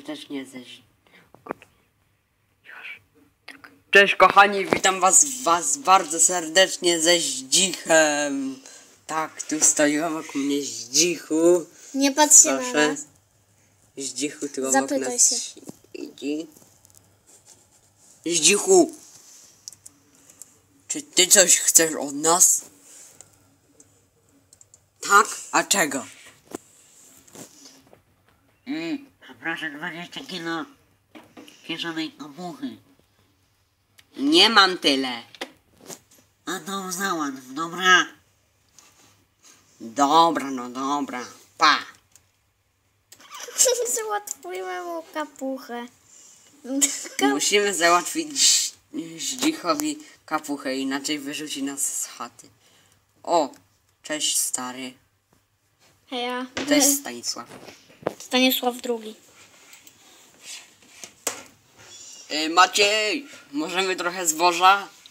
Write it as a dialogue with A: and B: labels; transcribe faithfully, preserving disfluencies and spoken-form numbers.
A: serdecznie ze... Cześć kochani, witam was, was bardzo serdecznie ze Zdzichem. Tak, tu stoi wokół mnie Zdzichu.
B: Nie patrzcie na
A: Proszę.
B: nas.
A: Zdzichu, tylko
B: Zapytaj
A: wokół nas
B: się.
A: siedzi. Zdzichu, czy ty coś chcesz od nas? Tak? A czego?
C: Ej, poproszę dwadzieścia kilo kieszonej kapuchy.
A: Nie mam tyle.
C: A to załatw, dobra?
A: Dobra, no dobra. Pa.
B: Załatwimy mu kapuchę.
A: Musimy załatwić Zdzichowi kapuchę, inaczej wyrzuci nas z chaty. O, cześć stary.
B: Heja.
A: Cześć Stanisław.
B: Stanisław drugi.
A: Yy, Maciej, możemy trochę zboża?